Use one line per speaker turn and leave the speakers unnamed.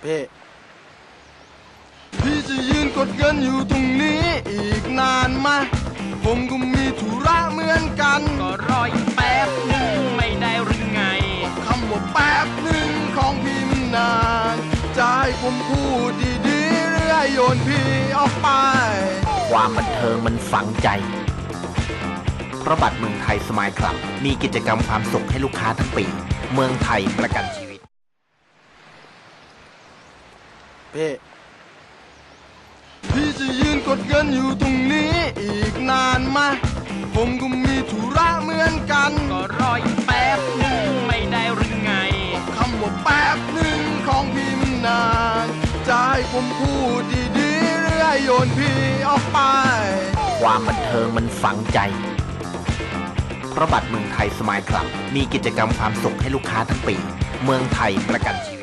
พี่จะยืนกดเงินอยู่ตรงนี้อีกนานไหมผมก็มีธุระเหมือนกัน
ก็รออีกแป๊บหนึ่งไม่ได้หรือไง
คำว่าแป๊บหนึ่งของพี่มันนานจะให้ผมพูดดีๆหรือให้โยนพี่ออกไป
ความบันเทิงมันฝังใจเพราะบัตรเมืองไทยสมายคลับมีกิจกรรมความสุขให้ลูกค้าทั้งปีเมืองไทยประกันชีวิต
พี่จะยืนกดเงินอยู่ตรงนี้อีกนานไหมผมก็มีธุระเหมือนกัน
ก็รออีกแป๊บหนึ่งไม่ได้หรือไง
คำว่าแป๊บหนึ่งของพี่มันนานจะให้ผมพูดดีๆหรือให้โยนพี่ออกไป
ความบันเทิงมันฝังใจเพราะบัตรเมืองไทยสมายคลับมีกิจกรรมความสุขให้ลูกค้าทั้งปีเมืองไทยประกันชีวิต